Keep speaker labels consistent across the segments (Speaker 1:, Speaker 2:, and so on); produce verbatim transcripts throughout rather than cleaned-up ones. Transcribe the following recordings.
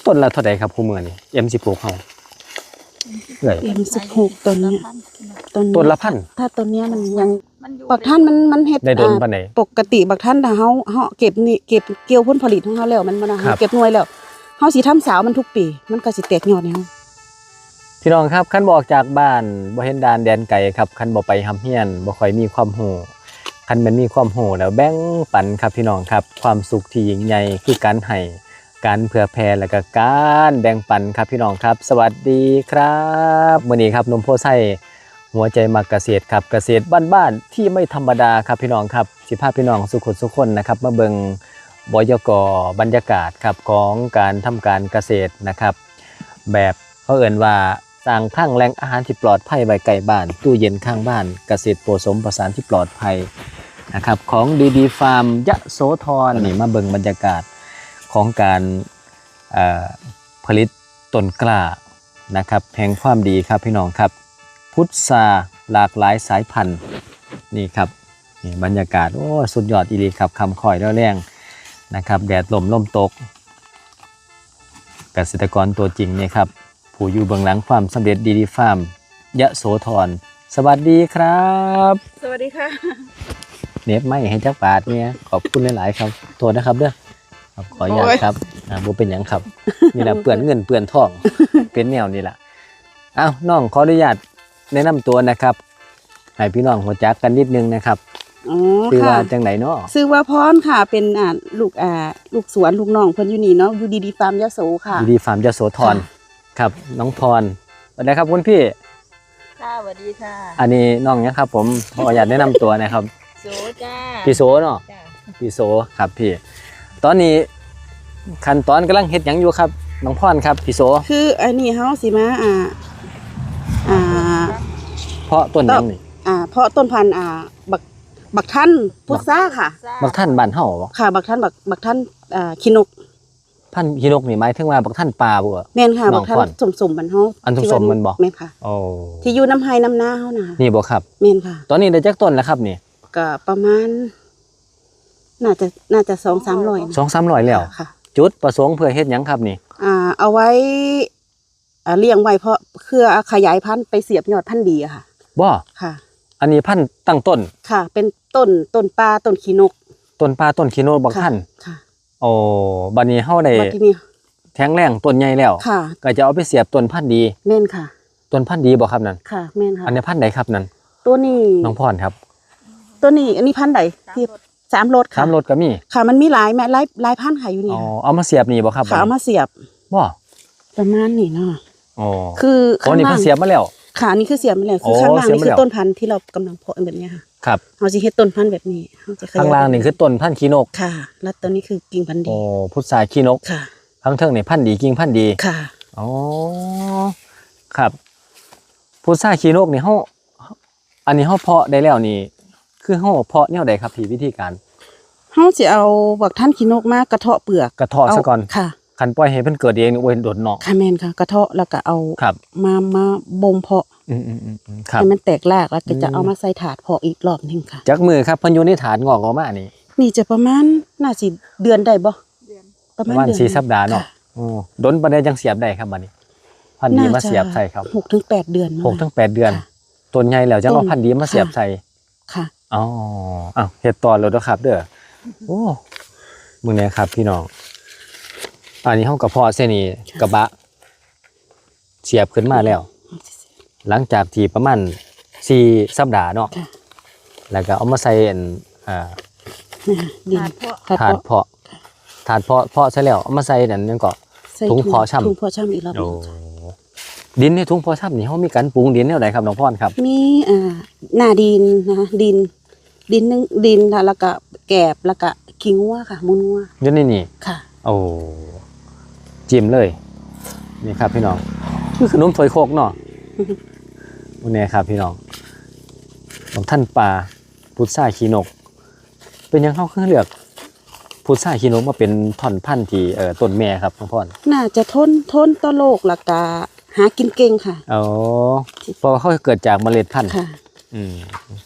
Speaker 1: ต้นละเท่าไหร่ครับคู่มือนี่ เอ็ม สิบหก เฮาเอ้ย
Speaker 2: เอ็ม สิบหก ต้นเนี้ยต้น
Speaker 1: ต้นละพัน
Speaker 2: ถ้าต้นเนี้ยมันยังบักท่านมันมันเฮ็ด
Speaker 1: ได้โดนปานใด
Speaker 2: ปกติบักท่านถ้าเฮาเฮาเก็บนี่เก็บเกี่ยวผลผลิตของเฮาแล้วมันบ่นะเฮาเก็บหน่วยแล้วเฮาสิทำสาวมันทุกปีมันก็สิแตกยอดให้เฮา
Speaker 1: พี่น้องครับคันบ่ออกจากบ้านบ่เห็นด่านแดนไกลครับคันบ่ไปหำเฮียนบ่ค่อยมีความรู้คันแม่นมีความรู้แล้วแบ่งปันครับพี่น้องครับความสุขที่ยิ่งใหญ่คือการให้การเผื่อแผ่และก็การแบ่งปันครับพี่น้องครับสวัสดีครับมื้อนี้ครับนมโพไส้หัวใจมักเกษตรครับเกษตรบ้านๆที่ไม่ธรรมดาครับพี่น้องครับสิพาพี่น้องสุขสุขคนนะครับมาเบิ่งบยก.บรรยากาศครับของการทำการเกษตรนะครับแบบเขาเอ่นว่าสร้างคลังแหล่งอาหารที่ปลอดภัยไว้ใกล้บ้านตู้เย็นข้างบ้านเกษตรผสมผสานที่ปลอดภัยนะครับของดีดีฟาร์มยะโสธรนี่มาเบิ่งบรรยากาศของการผลิตต้นกล้านะครับแห่งความดีครับพี่น้องครับพุทราหลากหลายสายพันธุ์นี่ครับนี่บรรยากาศโอ้สุดยอดอีหลีครับคำคอยแล้วแรงนะครับแดดลมลมตกเกษตรกรตัวจริงนี่ครับผู้อยู่เบื้องหลังความสำเร็จดีดีฟาร์มยะโสธรสวัสดีครับ
Speaker 2: สวัสดีค่ะ
Speaker 1: เนบไม่ให้จักบาทเนี่ยขอบคุณหลายๆครับโทษนะครับเด้อขออนุญาตครับอ่าบ่เป็นหยังครับนี่แหละเปื้อนเงินเปื้อนทองเป็นแนวนี่แหละอ้าวน้องขออนุญาตแนะนำตัวนะครับให้พี่น้องรู้จักกันนิดนึงนะครับ
Speaker 2: อ๋อ
Speaker 1: ชื่อว่า
Speaker 2: ค่ะ
Speaker 1: จังไหนเนาะ
Speaker 2: ชื่อว่าพรค่ะเป็นอ่าลูกอ่าลูกสวนลูกน้องเพิ่นอยู่นี่เนาะอยู่ดีดีฟาร์มยะโสค่ะ
Speaker 1: ดีดีฟาร์มยะโสธรครับน้องพรสวัสดีครับคุณพี่
Speaker 3: ค่ะสวัสดีค่ะ
Speaker 1: อันนี้น้องเนี่ยครับผมขออนุญาตแนะนำตัวนะครับ
Speaker 3: โซจ้า
Speaker 1: พี่โสเนาะพี่โสครับพี่ตอนนี้ขั้นตอนกำลังเฮ็ดหยังอยู่ครับน้องพรครับพี่โส
Speaker 2: คืออันนี้เฮาสิมาอ่าอ่า
Speaker 1: เพราะต้นหยังนี่
Speaker 2: อ่าเพราะต้นพันธุ์อ่าบักบักท่านพุทราค่ะ
Speaker 1: บักท่านบ้านเฮาบ่
Speaker 2: ค่ะบักท่านบักบักท่านอ่าขี้นก
Speaker 1: พันธุ์ขี้นกนี่หมายถึงว่าบักท่านป่าบ่
Speaker 2: แม่นค่ะบักท่านสมๆมันเฮา
Speaker 1: อันสมๆมันบ่
Speaker 2: แม่นค่ะ
Speaker 1: โอ้
Speaker 2: ที่อยู่น้ำไห้น้ำนาเฮาน่ะ
Speaker 1: นี่บ่ครับ
Speaker 2: แม่นค่ะ
Speaker 1: ตอนนี้ได้จักต้นแล้วครับนี่
Speaker 2: ก็ประมาณน่าจะน่าจะ สองสามร้อย
Speaker 1: สองสามร้อยแล้ว
Speaker 2: ค่ะ
Speaker 1: จุดประสงค์เพื่อเฮ็ดหยังครับนี่
Speaker 2: อ่าเอาไว้อ่าเลี้ยงไว้เพราะเพื่อขยายพันธุ์ไปเสียบยอดพันธุ์ดีอะค่ะ
Speaker 1: บ่
Speaker 2: ค่ะ
Speaker 1: อันนี้พันธุ์ตั้งต้น
Speaker 2: ค่ะเป็นต้นต้นปลาต้นขี้นก
Speaker 1: ต้นปลาต้นขี้นกบักท่าน
Speaker 2: ค่ะ
Speaker 1: โอ้บัดนี้เฮาได้
Speaker 2: บัดนี้
Speaker 1: แข็งแรงต้นใหญ่แล้ว
Speaker 2: ค่ะ
Speaker 1: ก็จะเอาไปเสียบต้นพันธุ์ดี
Speaker 2: แม่นค่ะ
Speaker 1: ต้นพันธุ์ดีบ่ครับนั่น
Speaker 2: ค่ะแม่นค่ะ
Speaker 1: อันนี้พันธุ์ใดครับนั่น
Speaker 2: ตัวนี้
Speaker 1: น้องพรครับ
Speaker 2: ตัวนี้อันนี้พันธุ์ใดที่สามรสค่ะ
Speaker 1: สามรสก็มี
Speaker 2: ค่ะมันมีหลายแม่หลายหลายพันธุ์ค่ะอยู่นี่
Speaker 1: อ๋อเอามาเสียบนี่บ่ครับ
Speaker 2: ค่ะเอามาเสียบ
Speaker 1: บ่
Speaker 2: ประมาณนี้เนาะ
Speaker 1: อ๋อ
Speaker 2: คือ
Speaker 1: ข้างล่างนี่เพิ่นเสียบมาแล้ว
Speaker 2: ค่ะนี่คือเสียบมาแล้วคือข้างล่างนี่คือต้นพันธุ์ที่เรากำลังเพาะแบบนี้ค่ะ
Speaker 1: ครับ
Speaker 2: เฮาสิเฮ็ดต้นพันธุ์แบบนี้เฮาจะ
Speaker 1: ข้างล่างนี่คือต้นพันธุ์ขี้นก
Speaker 2: ค่ะแล้วตัวนี้คือกิ่งพันธุ์ดี
Speaker 1: โอ้พุทราขี้นก
Speaker 2: ค่ะ
Speaker 1: ข้างเทิงนี่พันธุ์ดีกิ่งพันธุ์ดี
Speaker 2: ค่ะ
Speaker 1: อ๋อครับพุทราขี้นกนี่เฮาอันนี้เฮาเพาะได้แล้วนี่คือเฮาเพาะแนวใดครับพี่วิธีการ
Speaker 2: เฮาสิเอาบักท่านขี้นกมากระเทาะเปลือก
Speaker 1: กระเทาะซะก่อน
Speaker 2: ค่ะ
Speaker 1: คันปล่อยให้เพิ่นเกิดเองนี่โอ้ยโดดเนาะ
Speaker 2: ค่ะแม่นค่ะกระเทาะแล้วก็เอา
Speaker 1: ครับ
Speaker 2: มามาบ่มเพาะ
Speaker 1: อืมๆๆครับ
Speaker 2: ให้มันแตกรากแล้วก็จะเอามาใส่ถาดเพาะอีกรอบนึงค่ะ
Speaker 1: จักมือครับเพิ่นอยู่ในถาดงอกออกมานี่
Speaker 2: นี่จะประมาณน่าสิเดือนได้บ่
Speaker 3: เดือน
Speaker 2: ประมาณ
Speaker 1: ประมาณ
Speaker 2: เดือน
Speaker 1: สี่สัปดาห์เนาะอ๋อดนปานใดจังเสียบได้ครับบัดนี้พันธุ์ดีมาเสียบใส่ครับ
Speaker 2: หกถึงแปด เดือน
Speaker 1: หกถึงแปด เดือนต้นใหญ่แล้วจังเอาพันธุ์ดีมาเสียบใส่
Speaker 2: ค่ะ
Speaker 1: อ๋ออ้าวเฮ็ดต่อแล้วเด้อครับเด้อโอ้มื้อนี้ครับพี่น้องอันนี้เฮากระเพาะเส้นนี้กระบะเสียบขึ้นมาแล้วหลังจากที่ประมาณสี่สัปดาห์เนาะแล้วก็เอามาใส่อันอ่า
Speaker 2: ดิน
Speaker 1: ถาดเพาะถาดเพาะเพาะใส่แล้วเอามาใส่นั่นนั่นก็ถุงเพาะช่ำ
Speaker 2: ถุงเพาะช่ำอีกรอบนึง
Speaker 1: ดินในถุงเพาะช่ำนี่เฮามีการปรุงดินแนวใดครับน้องพรครับ
Speaker 2: มีอ่าหน้าดินนะคะดินดินนึงดินแล้วก็แกบแล้วก็ขี้งัวค่ะมูลงัว
Speaker 1: อยู่ในนี่
Speaker 2: ค่ะ
Speaker 1: โอ้จิ้มเลยนี่ครับพี่น้องคือขนมถ้วยโคกเนาะวันนี้ครับพี่น้องของท่านปลาพุทราขี้นกเป็นยังเข้าเครื่องเลือกพุทราขี้นกมาเป็นท่อนพันธุ์ที่เอ่อต้นแม่ครับน้องพร
Speaker 2: น่าจะทนทนต่อโรคแล้วก็หากินเก่งค่ะ
Speaker 1: อ๋อเพราะเขาเกิดจากเมล็ดพันธุ์
Speaker 2: ค่ะ
Speaker 1: อืม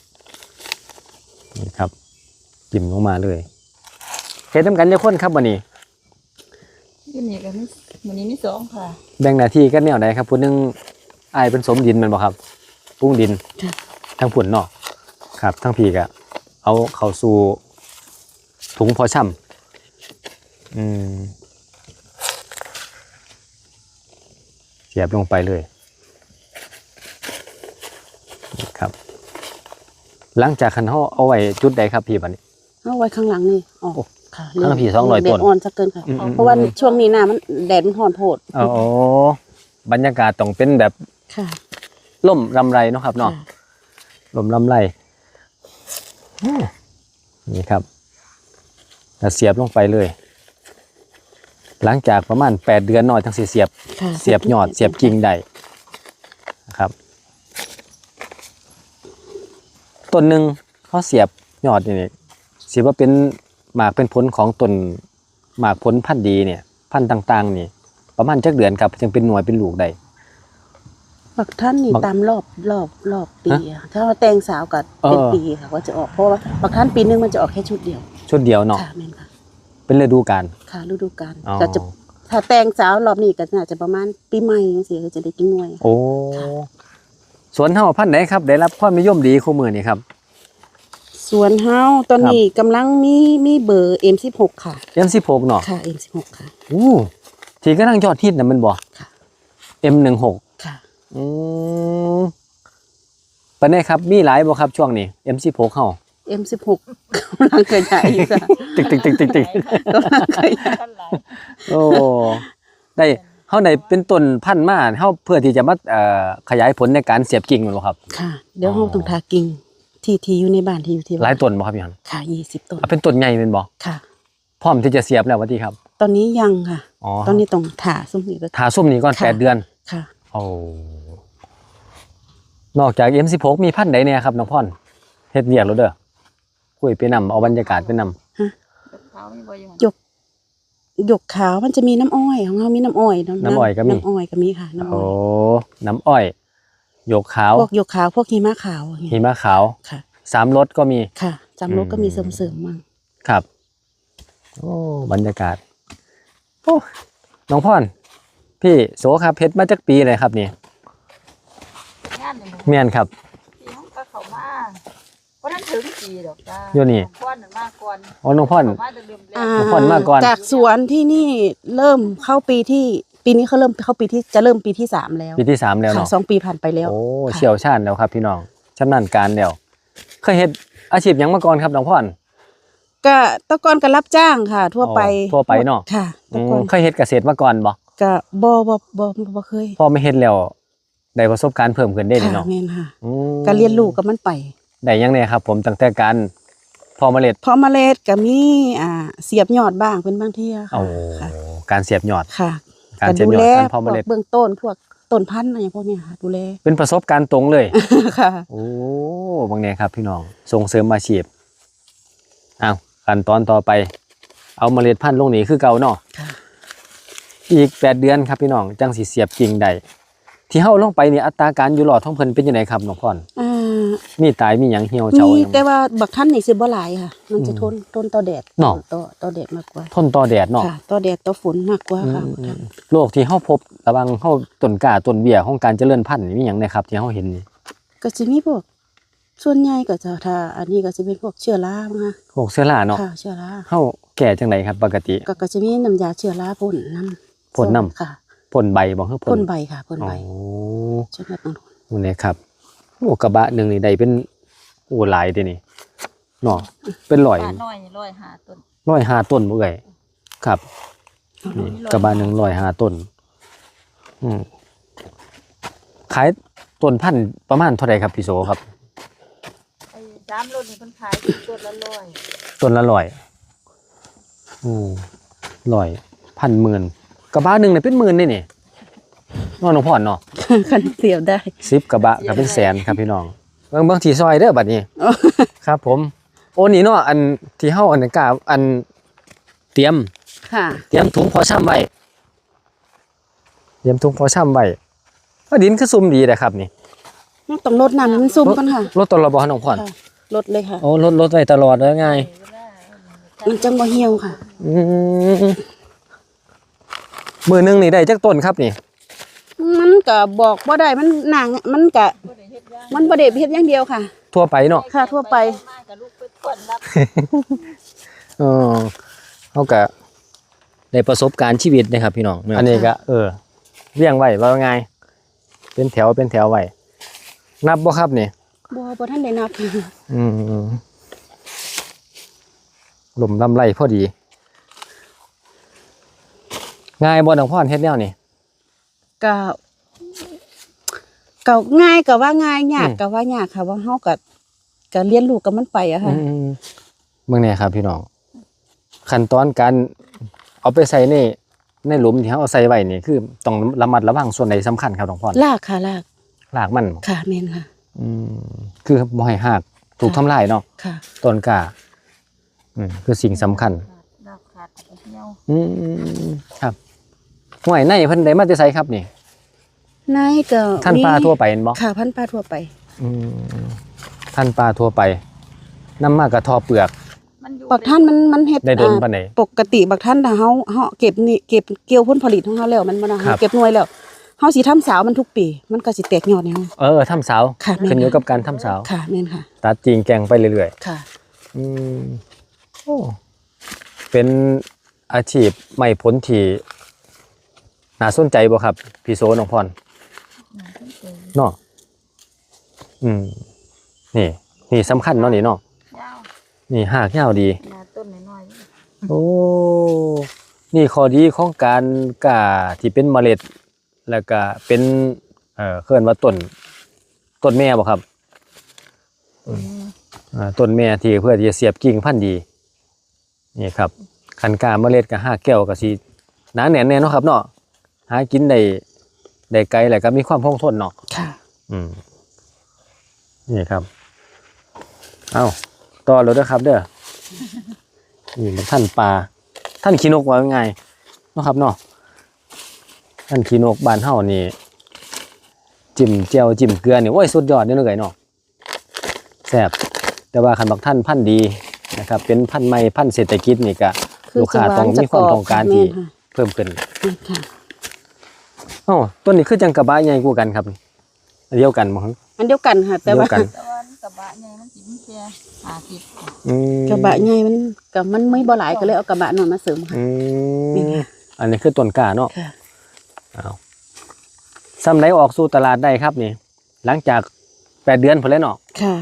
Speaker 1: นี่ครับจิ้มลงมาเลยเฮ็ดน้ำกันจะข้นครับวันนี้
Speaker 3: อยู่นี่ก็มีมื้อนี้มีสองค่ะ
Speaker 1: แบ่งหน้าที่กันแนวไหนครับผู้หนึงอายเป็นสมดินแมันบ่ครับปรุงดิน
Speaker 2: ค่ะ
Speaker 1: ทั้งผุนเนาะครับทั้งพีก็เอาเข้าสู่ถุงพอช่ำอืมเสียบลงไปเลยนี่ครับ หลังจากคันเฮาเอาไว้จุดใดครับพี่บัดนี้
Speaker 2: เอาไว้ข้างหลังนี่อ๋อ
Speaker 1: โอ้
Speaker 2: ค่ะ
Speaker 1: ข้างหลังผีสองร้อย
Speaker 2: แด
Speaker 1: ต้
Speaker 2: ด
Speaker 1: น
Speaker 2: อ่อนสักเกินค่ะ
Speaker 1: อืมๆ
Speaker 2: เพราะว่าช่วงนี้หน้ามันแดดมันร้อนโพด
Speaker 1: โอ้บรรยากาศต้องเป็นแบบ
Speaker 2: ค่ะ
Speaker 1: ล่มลำไรเนาะครับเนาะ
Speaker 2: ค่ะ
Speaker 1: ลมลำไรอืมนี่ครับแล้วเสียบลงไปเลย หลังจากประมาณแปดเดือนหน่อยทั้งสี่เสียบ
Speaker 2: ค่ะ
Speaker 1: เสียบยอดเสียบกิ่งได้นะครับต้นหนึ่งเขาเสียบยอดนี่สิว่าเป็นหมากเป็นผลของต้นหมากผลพันธุ์ดีเนี่ย พันธุ์ต่างๆนี่ ประมาณจักเดือนครับจึงเป็นหน่วยเป็นลูกได้
Speaker 2: บักท่านนี่
Speaker 1: บัก
Speaker 2: ตามรอบรอบรอบปีอะถ้าว่าแตงสาวกับ
Speaker 1: เออ
Speaker 2: เป็นปีค่ะว่าจะออกเพราะว่าบักท่านปีนึงมันจะออกแค่ชุดเดียว
Speaker 1: ชุดเดียวเนาะ
Speaker 2: ค่ะแม่นค่ะ
Speaker 1: เป็นฤดูกาล
Speaker 2: ค่ะฤดูกาล
Speaker 1: อ๋อ
Speaker 2: ก็จะถ้าแตงสาวรอบนี้ก็น่าจะประมาณปีใหม่จังซี่ก็จะได้กินหน่วย
Speaker 1: โอ้สวนเฮาพันธุ์ไหนครับ ได้รับความนิยมดีคู่มือนี่ครับ
Speaker 2: ส่วนเฮาตอนนี้กำลังมีมีเบอร์ เอ็ม สิบหก ค่ะ
Speaker 1: เอ็มสิบหกเนาะ
Speaker 2: ค่ะ เอ็ม สิบหก ค่ะ
Speaker 1: อู้ที่กำลังยอดฮิตน่ะแมันบ่
Speaker 2: ค่ะ
Speaker 1: เอ็มสิบหก
Speaker 2: ค่ะ
Speaker 1: อืมปานใดครับมีหลายบ่ครับช่วงนี้ เอ็มสิบหกเฮา
Speaker 2: เอ็ม สิบหก กำลังขยายอยู่ค่ะ
Speaker 1: ติ๊กติ๊กติ๊กติ๊กติ๊ก
Speaker 2: กำลังขยาย
Speaker 3: ท่านหลาย
Speaker 1: โอ้ได้เฮาได้เป็นต้นพันธุ์มาเฮาเพื่อที่จะมาเอ่อขยายผลในการเสียบกิ่งแม่นบ่ครับ
Speaker 2: ค่ะ เดี๋ยว
Speaker 1: อ๋อ
Speaker 2: เฮาต้องทากิ่งที่ที่อยู่ในบ้านที่อยู่ที่
Speaker 1: หลายต้นบ่ครับพี่ฮัน
Speaker 2: ค่ะยี่สิบต้น
Speaker 1: อ่ะเป็นต้นใหญ่แม่นบ่
Speaker 2: ค่ะ
Speaker 1: พร้อมที่จะเสียบแล้วว่าติครับ
Speaker 2: ตอนนี้ยังค่ะ
Speaker 1: อ๋อ
Speaker 2: ตอนนี้ต้องถาซุ่มนี่ก็
Speaker 1: ทาส้มนี้ก่อน
Speaker 2: ค่ะ
Speaker 1: แปดเดือน
Speaker 2: ค่ะ
Speaker 1: โอ้นอกจาก เอ็ม สิบหก มีพันธุ์ใดเนี่ยครับน้องพ่อนเฮ็ดเวียกแล้วเด้อคุยไปนำเอาบรรยากาศไปนำ
Speaker 3: เขามีบ่อยู่หั่น
Speaker 2: หยกหยกขาวมันจะมีน้ำอ้อยของเรามีน้ำอ้อยำ
Speaker 1: น้ำอ้อยก็มี
Speaker 2: น้ำอ้อยก็มีค่ะน้ำอ้
Speaker 1: โอ้
Speaker 2: อย
Speaker 1: น้ำอ้อยหยกขาว
Speaker 2: พวกหยกขาวพวกหิมะขาวอย่าง
Speaker 1: หิ
Speaker 2: เงี้ย
Speaker 1: มะขาว
Speaker 2: ค่ะ
Speaker 1: สามรสก็มี
Speaker 2: ค่ะจำรถก็มี
Speaker 1: อื
Speaker 2: เส
Speaker 1: ม
Speaker 2: ริมๆมั่ง
Speaker 1: ครับ โอ้บรรยากาศโอ้น้องพ่อนพี่โสครับเพชรมาจากปีเลยครับนี่
Speaker 3: งานนี่หมู่
Speaker 1: เมียนครับ
Speaker 3: พี่น้องก็เข้ามาบ่ทันถึงปีดอกจ้า
Speaker 1: อยู่นี่
Speaker 3: พ่อนนั่นมาก่อน
Speaker 1: อ๋อน้องพ่อน
Speaker 3: เข้ามาแต่เริ่มแร
Speaker 2: อ่าก
Speaker 1: ทุกคนมาก่อน
Speaker 2: จากสวนที่นี่เริ่มเข้าปีที่ปีนี้เขาเริ่มเข้าปีที่จะเริ่มปีที่สามแล้ว
Speaker 1: ปีที่สามแล้ว
Speaker 2: ค่ะ
Speaker 1: เนาะ
Speaker 2: สองปีผ่านไปแล้ว
Speaker 1: โอ้
Speaker 2: ค่ะ
Speaker 1: เชี่ยวชาญแล้วครับ พี่น้องชำนาญการแล้วเคยเฮ็ดอาชีพหยังมาก่อนครับน้องพ่อน
Speaker 2: ก็แตะกอนก็รับจ้างค่ะ ทั่วไป
Speaker 1: อ๋อทั่วไปเนาะ
Speaker 2: ค่ะ
Speaker 1: อื
Speaker 2: แตะ
Speaker 1: ม
Speaker 2: กอน
Speaker 1: เคยเฮ็ดเกษตรมาก่อนบ่
Speaker 2: ก็บ่บ่บ่บ่เคย
Speaker 1: พอไม่เฮ็ดแล้วได้ประสบการณ์เพิ่มขึ้นได้นี่
Speaker 2: ค่ะ
Speaker 1: เนาะ
Speaker 2: แม่นค่ะ
Speaker 1: อืม
Speaker 2: ก็เรียนรู้กับมันไป
Speaker 1: ได้ยังไงครับ ผมตั้งแต่การพอเมล็ด
Speaker 2: เพราะเมล็ดก็มีอ่าเสียบยอดบ้างเป็นบางเที่ยค่ะ
Speaker 1: โอ้
Speaker 2: ค่ะ
Speaker 1: การเสียบยอด
Speaker 2: ค่ะ
Speaker 1: การเสียบ
Speaker 2: ดู
Speaker 1: ยอ
Speaker 2: แล
Speaker 1: ดการพอ
Speaker 2: พ
Speaker 1: เม
Speaker 2: วก
Speaker 1: ล็ด
Speaker 2: เบื้องต้นพวกต้นพันธุ์อะไรอย่างพวกเนี้ยค่ะ ดูแล
Speaker 1: เป็นประสบการณ์ตรงเลย
Speaker 2: ค่ะ
Speaker 1: โอ้บางแนครับพี่น้องส่งเสริมอาชีพอ้าวขั้นตอนต่อไป เอาเมล็ดพันธุ์ลงนี่คือเก่าเนาะ
Speaker 2: ค่ะ
Speaker 1: อีกแปดเดือนครับพี่น้องจังสิเสียบกิ่งได้ที่เฮาลงไปนี่อัตราการอยู่รอดของเพิ่นเป็นจังไดครับน้องพร
Speaker 2: อ่า
Speaker 1: มีตายมีหยังเหี่ยวเฉา
Speaker 2: มี
Speaker 1: หยัง
Speaker 2: แต่ว่าบักท่านนี่สิบ่หลายค่ะ มันจะ
Speaker 1: อืม
Speaker 2: ทนทนต่อแดด
Speaker 1: เนาะ
Speaker 2: ต่อต่อแดดมากกว่า
Speaker 1: ทนต่อแดดเนาะ
Speaker 2: ค่ะต่อแดดต่อฝนมากกว่าค่ะ
Speaker 1: อืม
Speaker 2: บักท่าน
Speaker 1: โรคที่เฮาพบระหวังเฮาต้นกล้าต้นเบี้ยของการเจริญพันธุ์นี่มีหยังนะครับที่เฮาเห็นนี่
Speaker 2: ก็สิมีพวกส่วนใหญ่ก็จะถ้าอันนี้ก็จะเป็นพวกเชื้อราบ้างค่ะ
Speaker 1: พวกเชื้อราเนาะ
Speaker 2: ค่ะเชื้อรา
Speaker 1: เฮาแก่จังไดครับปกติ
Speaker 2: ก็ก็จะมีน้ำยาเชื้อราพ่นน้ำ
Speaker 1: พ่นน้ำ
Speaker 2: ค่ะ
Speaker 1: พ่นใบบ่คือ
Speaker 2: พ่นใบค่ะพ่น
Speaker 1: อ๋
Speaker 2: ใบ
Speaker 1: อ
Speaker 2: ช่วยลดต้นทุน
Speaker 1: นี่ครับโอ้กระบะหนึงนี่ได้เป็นโอ้หลายเด้นี่เนาะเป็นร้อย
Speaker 3: ป้าน้อยนี่ร้อยห้าต้น
Speaker 1: ร้อยห้าต้นบ่เอ่ยครับนี่กระบะหนึงร้อยห้าต้นอืมขายต้นพันธุ์ประมาณเท่าไหร่ครับพี่โสครับ
Speaker 3: ไอ้สามรถนี่เพิ่นขายต้นละร้อย
Speaker 1: ต้นละร้อยอืมร้อยพันหมื่นกระบะหนึ่งเนี่ยเป็นหมื่นนี่นี่น้องน้องพ่อนเนาะ
Speaker 2: คันเสียบได้
Speaker 1: สิบกระบะก็เป็นแสนครับพี่น้องเบิ่งเบิ่งที่ซอยเด้อบัดนี้ ครับ ผม โอ้นี่เนาะอันที่เฮาอันนั้นกะอันเตรียม
Speaker 2: ค่ะ
Speaker 1: เตรียมถุงพอช่ำไว้เตรียมถุงพอช่ำไว้ว่าดินคือซุ่มดีแต่ครับนี่
Speaker 2: ต้องลดน้ำให้มันซุ่มกันค่ะ
Speaker 1: รถตลอดบ่น้องพ่อน
Speaker 2: ค่ะลดเลยค่ะ
Speaker 1: โอ้รถรถไว้ตลอดเลยไง
Speaker 3: เวลา
Speaker 2: มันจังบ่เหี่ยวค่ะ
Speaker 1: อืมมือหนึงนี่ได้จักต้นครับนี่
Speaker 2: มันก็บอกบ่ได้มันนางมันก็มันบ่ได้เฮ็ดอย่างเดียวค่ะ
Speaker 1: ทั่วไปเนาะ
Speaker 2: ค่ะทั่วไป
Speaker 3: มากับลูกไปก่อนรับ
Speaker 1: เออเขาก็ได้ประสบการณ์ชีวิตนะครับพี่น้องอันนี้ก็เออเรียงไว้ว่าไงเป็นแถวเป็นแถวไว้นับบ่ครับนี่
Speaker 2: บ่บ่ทันได้นับ
Speaker 1: อืมหลุมลำไรพอดีง่ายบ่น้องพ่อนเฮ็ดแนวนี่
Speaker 2: ก็ก็ง่ายก็ว่าง่ายยาก
Speaker 1: อืม
Speaker 2: ก็ว่ายากค่ะว่าเฮาก็ก็เรียนรู้กับมันไปอะค่ะ
Speaker 1: อืมเมืองเนี่ยครับพี่น้องขั้นตอนการเอาไปใส่ในในหลุมที่เขาเอาใส่ไว้นี่คือต้องระมัดระวังส่วนไหนสำคัญครับน้องพ่อน
Speaker 2: ลากค่ะลาก
Speaker 1: รากมัน
Speaker 2: ค่ะแม่นค่ะ
Speaker 1: อืมคือบ่ให้หักถูกทำลายเนาะ
Speaker 2: ค่ะ
Speaker 1: ต้นกล้าอืมคือสิ่งสำคัญ
Speaker 3: ดอกขาดเหี่ยว
Speaker 1: อืมครับห่วยในเพิ่นได้มาแต่ไสครับนี่
Speaker 2: นายก็
Speaker 1: ท่านปลาทั่วไปเห็นบ่
Speaker 2: ค่ะพันปลาทั่วไป
Speaker 1: อืมท่านปลาทั่วไปนำมากระทอเปลือก
Speaker 3: มันอยู่
Speaker 2: บักท่านมันมันเฮ็ด
Speaker 1: ได้โดน
Speaker 2: อ่า
Speaker 1: ปานใด
Speaker 2: ปกติบักท่านถ้าเฮาเฮาเก็บนี่เก็บเกี่ยวผลผลิตของเฮาแล้วมันบ่นะ
Speaker 1: ครั
Speaker 2: เฮา
Speaker 1: บ
Speaker 2: เก็บหน่วยแล้วเฮาสิทำสาวมันทุกปี มันก็สิแตกยอดให้เฮา
Speaker 1: เออทำเสา
Speaker 2: ค่ะแม่น
Speaker 1: ขึ้นอยู่กับการทำเสา
Speaker 2: ค่ะแม่นค่ะ
Speaker 1: ตัดจริงแกงไปเรื่อย
Speaker 2: ค่ะ
Speaker 1: ๆอืมโอ้เป็นอาชีพไม่ผลที่น่าสนใจบ่ครับพี่โซน้องพรเนาะอืมนี่ นี่สำคัญเนาะนี่เนาะ
Speaker 3: ยาว
Speaker 1: นี่หากยาวดี
Speaker 3: หน้าต้นน้อย
Speaker 1: โอ้ นี่ข้อดีของการกล้าที่เป็นเมล็ด แล้วก็เป็น เอ่อเคลื่อนว่าต้น ต้นแม่บ่ครับ
Speaker 3: ๆอืม
Speaker 1: อ่าต้นแม่ที่เพื่อที่จะเสียบกิ่งพันธุ์ดี นี่ครับคันกล้าเมล็ดกับห้าแก้วก็สิหนาแน่นแน่เนาะครับเนาะหากินได้ได้ไกลแล้วก็มีความคงทนเนาะ
Speaker 2: ค่ะ
Speaker 1: อืม นี่ครับ เอาต่อเลยเด้อครับ เด้อ นี่มันท่านปลา ท่านขี้นกว่าไงเนาะครับเนาะ ท่านขี้นกบ้านเฮานี่จิ้มเจียวจิ้มเกลือนี่โอ้ยสุดยอดนี่เลยเนาะแซ่บแต่ว่าคันบักท่านพันธุ์ดีนะครับ เป็นพันธุ์ใหม่พันธุ์เศรษฐกิจนี่ก็
Speaker 2: คือ
Speaker 1: ลูกค้าต้องมีความต้องการที่เพิ่มขึ้น
Speaker 2: แม่นค่ะ
Speaker 1: อ๋อต้นนี้คือจังกระบะใหญ่กว่ากันครับอันเดียวกันบ่ครับ
Speaker 2: อันเดียวกันค่ะ แต่ว่า
Speaker 1: เดียวกัน
Speaker 3: แต่ว่ามันกระบะใหญ่มันสิมีแค่ห้าสิบ
Speaker 1: อืม
Speaker 2: กระบะใหญ่มันก็มันไม่บ่หลายก็เลยเอากระบะน้อยมาเสริมค่ะ
Speaker 1: อื
Speaker 2: นี่
Speaker 1: ม
Speaker 2: ค่ะ
Speaker 1: อันนี้คือต้นกล้าเนาะ
Speaker 2: ค่ะ
Speaker 1: เอาซ้ำไหนออกสู่ตลาดได้ครับนี่ หลังจากแปดเดือนพอแล้วเนาะ
Speaker 2: ค่ะ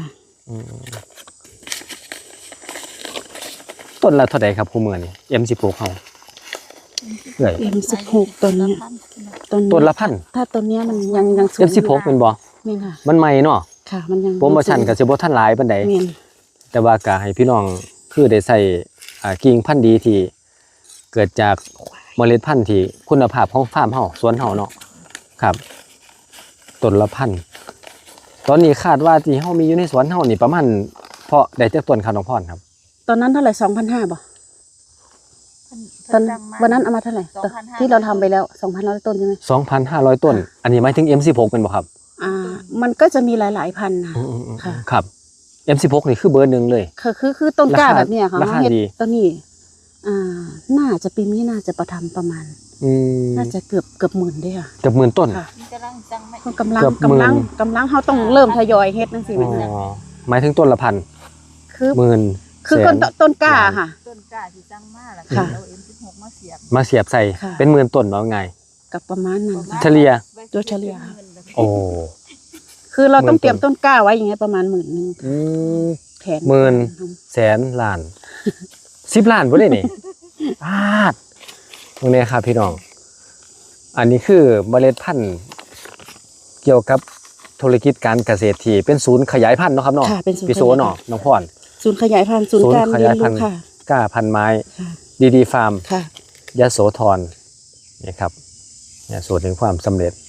Speaker 1: ต้นละเท่าไหร่ครับคู่มือนี่ เอ็ม สิบหก เฮาเอ้ย
Speaker 2: เอ็มสิบหกต้นเนี้ยต้น
Speaker 1: ต้นละพัน
Speaker 2: ถ้าต้นเนี้ยมันยังยังสูง
Speaker 1: เอ็ม สิบหก เป็นบ่
Speaker 2: แม่นค่ะ
Speaker 1: มันใหม่เนาะ
Speaker 2: ค่ะ มันยัง
Speaker 1: โปรโมชั่นก็สิบ่ทันหลายปานใด
Speaker 2: แม่น
Speaker 1: แต่ว่าก็ให้พี่น้องคือได้ใส่อ่ากิ่งพันธุ์ดีที่เกิดจากเมล็ดพันธุ์ที่คุณภาพของฟาร์มเฮาสวนเฮาเนาะครับต้นละพันตอนนี้คาดว่าที่เฮามีอยู่ในสวนเฮานี่ประมาณเพาะได้จักต้นครับน้องพรครับ
Speaker 2: ตอนนั้นเท่าไหร่สองพันห้าบ่ตอนวันนั้นเอามาเท่าไหร่ตอนที่เราทำไปแล้วสองพันร้อยต้นใช่ไหม
Speaker 1: สองพันห้าร้อย ต้น อันนี้หมายถึง เอ็ม สิบหก เป็นบ่ครับ
Speaker 2: อ่า มันก็จะมีหลาย ๆ พันนะ
Speaker 1: อืมๆ
Speaker 2: ค่ะ
Speaker 1: ๆครับ เอ็ม สิบหก นี่คือเบอร์หนึ่งเลย
Speaker 2: คือคือคือต้นกล้า
Speaker 1: ราคา
Speaker 2: แบบเนี้ยค่ะ
Speaker 1: ราคา
Speaker 2: เฮ็ด
Speaker 1: ดี
Speaker 2: ต้นนี้อ่าน่าจะปีนี้น่าจะประทำประมาณ
Speaker 1: อืม
Speaker 2: น่าจะเกือบเกือบหมื่นเด้ค่ะ
Speaker 1: เกือบหมื่นต้น
Speaker 2: ค่ะ
Speaker 3: มันกำลังจังไม่
Speaker 2: มันกำลัง
Speaker 1: เกือบหมื่น
Speaker 2: กำลังกำลังเขาต้องเริ่มทยอยเฮ็ดนั่นสิ
Speaker 1: อ๋
Speaker 2: แม่
Speaker 1: อหมายถึงต้นละพัน
Speaker 2: คือ
Speaker 1: หมื่น
Speaker 2: คือ
Speaker 1: แส
Speaker 2: ต้นต้นกล้าค่ะ
Speaker 3: ต้นกล้าที่จังมากล่ะ
Speaker 2: ค่ะ
Speaker 3: เอาเอ็มสิบหกมาเสียบ
Speaker 1: มาเสียบใส่
Speaker 2: ค่ะ
Speaker 1: เป็นหมื่นต้นว่าไง
Speaker 2: กับประมาณนั้นค่ะ
Speaker 1: เฉลี่ย
Speaker 2: โดยเฉลี่ย
Speaker 1: โอ้
Speaker 2: คือเราต้อง
Speaker 1: หมื่นต้น
Speaker 2: เตรียมต้นกล้าไว้อย่างเงี้ยประมาณหมื่นหนึง
Speaker 1: อืม
Speaker 2: แผน
Speaker 1: หมื่น แสนล้าน สิบล้านบ่ได้นี่ พลาดตรงนี้ครับพี่น้อง อันนี้คือเมล็ดพันธุ์เกี่ยวกับธุรกิจการเกษตรที่เป็นศูนย์ขยายพันธุ์เนาะครับเนาะ
Speaker 2: ค่ะเป็นศูนย์
Speaker 1: พี่โซ
Speaker 2: ขยายพันธุ์
Speaker 1: เนาะน้องพร
Speaker 2: ศูนย์ขยายพันธุ์ศูนย์การเรียนรู้ค่ะ
Speaker 1: กล้าพันธุ์ไม้
Speaker 2: ค่ะ
Speaker 1: ดีดีฟาร์ม
Speaker 2: ค่ะ
Speaker 1: ยโสธรนี่ครับเนี่ยสูตรถึงความสำเร็จ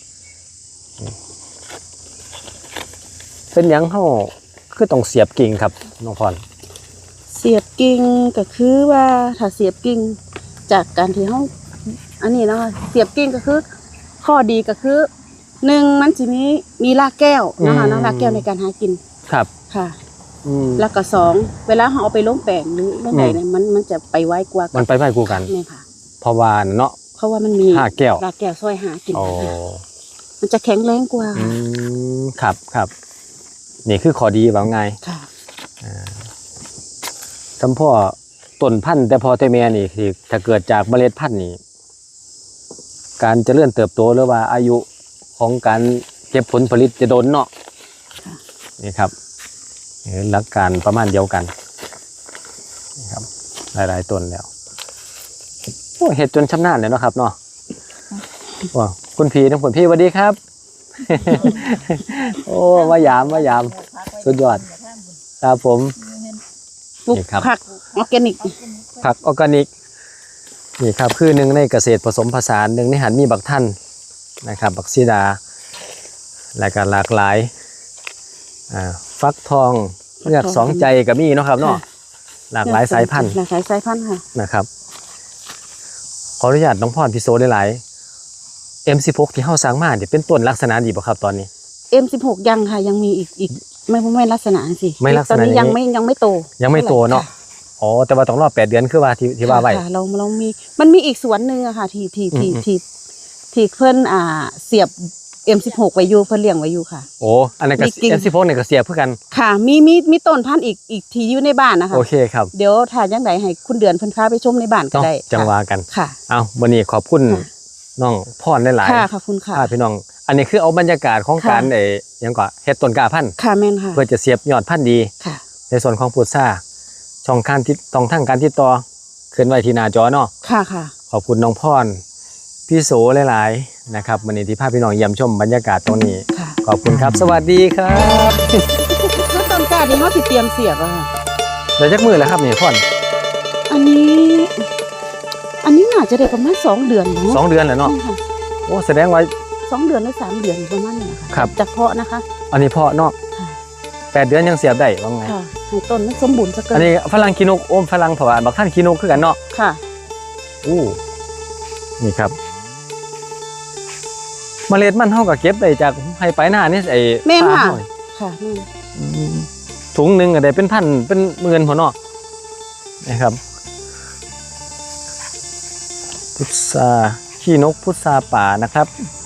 Speaker 1: เป็นหยังเฮาคือต้องเสียบกิ่งครับน้องพร
Speaker 2: เสียบกิ่งก็คือว่าถ้าเสียบกิ่งจากการที่เฮาอันนี้นะคะเสียบกิ่งก็คือ ข้อดีก็คือหนึ่งมันจะมีมีรากแก้วนะคะเนาะรากแก้วในการหากิน
Speaker 1: ครับ
Speaker 2: ค่ะ
Speaker 1: อืม
Speaker 2: แล้วก็สองเวลาเราเอาไปลงแปลงหรือเรื่องใดเนี่ยมันมันจะไปไวกว่า
Speaker 1: มันไปไวกูกัน
Speaker 2: นี่ค่ะ
Speaker 1: เพราะว่าเนาะ
Speaker 2: ราะว่ามันมี
Speaker 1: ห้าแก้ว
Speaker 2: รากแก้วซอยหากิน
Speaker 1: โอ้
Speaker 2: มันจะแข็งแรงกว่า
Speaker 1: อืมครับครับนี่คือข้อดีว่าไง
Speaker 2: ค่ะ
Speaker 1: สำพ่อต้นพันธุ์แต่พอแต่แม่นี่คือถ้าเกิดจากเมล็ดพันธุ์นี่การเจริญเติบโตหรือว่าอายุของการเก็บผลผลิตจะโดนเนาะ
Speaker 2: ค่ะ
Speaker 1: นี่ครับเห็นหลักการประมาณเดียวกันนี่ครับหลายๆต้นแล้วโอ้เห็ดจนชำนาญเลยเนาะครับเนาะว้าคุณพี่ทั้งคุณพี่สวัสดีครับ โอ้มายามมายาม สุดยอด ครับผม
Speaker 2: ปลูก
Speaker 1: นี่ครับ
Speaker 2: ผักออร์แกนิก
Speaker 1: ผักออร์แกนิกนี่ครับคือหนึ่งในเกษตรผสมผสานหนึ่งในหันมีบักท่านนะครับบักซีดาและก็หลากหลายอ่าฟักทองเลือกสองใจกับมีเนาะครับเนาะหลากหลายสายพันธุ์
Speaker 2: หลากหลายสายพันธุ์ค่ะ
Speaker 1: นะครับขออนุญาตน้องพรพิโซได้หลาย เอ็ม สิบหก ที่เฮาสร้างมาเนี่ยเป็นต้นลักษณะดีบ่ครับตอนนี้
Speaker 2: เอ็ม สิบหก ยังค่ะยังมีอีกอีกไม่ไม่ลักษณะสิ
Speaker 1: ไม่ลักษณะ
Speaker 2: ตอนนี้
Speaker 1: นี้
Speaker 2: ยังไม่ยังไม่โต
Speaker 1: ยังไม่โตเนาะ
Speaker 2: ค่
Speaker 1: อ๋อแต่ว่าต้องรอแปดเดือนคือว่าที่ที่ว่าไว้
Speaker 2: ค่ะเราเรามีมันมีอีกสวนหนึ่งอะค่ะที่ที่ที่
Speaker 1: อืม
Speaker 2: ที่ที่เพิ่นอ่าเสียบ เอ็ม สิบหก ไว้อยู่เพิ่นเลี้ยงไว้อยู่ค่ะ
Speaker 1: โอ้อันนั้นก็
Speaker 2: มีกิ่ง
Speaker 1: เอ็ม สิบหกเนี่ยก็เสียบเพื่อกัน
Speaker 2: ค่ะมีมีมีต้นพันธุ์อีกอีกที่อยู่ในบ้านนะคะ
Speaker 1: โอเคครับ
Speaker 2: เดี๋ยวถ้าจังไดให้คุณเดือนเพิ่นพาไปชมในบ้านก็
Speaker 1: เนาะ
Speaker 2: ได้
Speaker 1: จังหวากัน
Speaker 2: ค่ะ
Speaker 1: เอาวันนี้ขอบคุณ
Speaker 2: ค่ะ
Speaker 1: น้องพรได้หลาย
Speaker 2: ค่ะขอบคุณค่ะ
Speaker 1: พาพี่น้อง อันนี้คือเอาบรรยากาศของ
Speaker 2: ค่ะ
Speaker 1: การไอ้หยังก่อเฮ็ดต้นกล้าพันธุ์
Speaker 2: ค่ะแม่นค่ะ
Speaker 1: เพื่อจะเสียบยอดพันธุ์ดี
Speaker 2: ค่ะ
Speaker 1: ในส่วนของพุทราช่องการติดตองทางการติดต่อขึ้นไว้ที่หน้าจอเนาะ
Speaker 2: ค่ะค่ะ
Speaker 1: ขอบคุณน้องพรพี่โสหลายๆนะครับวันนี้ที่พาพี่น้องเยี่ยมชมบรรยากาศตรงนี้
Speaker 2: ค่ะ
Speaker 1: ขอบคุณครับ สวัสดีครับ
Speaker 2: แล้วต้นกล้าที่เฮาสิเตรียมเสียบอะค่ะ
Speaker 1: เดี๋ยวจักมือแล้วครับนี่พร
Speaker 2: อันนี้ อันนี้น่าจะได้ประมาณสองเดือนเนาะ
Speaker 1: สองเดือนแล้วเนาะ
Speaker 2: ใช่ค่ะ
Speaker 1: โอ้แสดงว่า
Speaker 2: สองเดือนหรือสามเดือนประมาณนี้นนะคะ
Speaker 1: ครับ
Speaker 2: จากเพาะนะคะ
Speaker 1: อันนี้เพาะเนาะ
Speaker 2: ค่ะ
Speaker 1: แปดเดือนยังเสียบได้ว่าไง
Speaker 2: ค่ะให้ต้นมันสมบูรณ์สักเกิ
Speaker 1: อันนี้ฝรั่งคีนกโอมฝรั่งผวานบักท่านคีนกคือกันเนาะ
Speaker 2: ค่ะ
Speaker 1: อู้นี่ครับเมล็ดมันเท่ากับเก็บได้จากให้ไปหน้านี่ไอ้
Speaker 2: แม่น
Speaker 1: ปลา
Speaker 2: ค่ะ
Speaker 1: เฮานี่
Speaker 2: ค่ะแม่น
Speaker 1: อืมถุงหนึ่งก็ได้เป็นพันเป็นหมื่นพอเนาะนะครับพุทราขี้นกพุทราป่านะครับ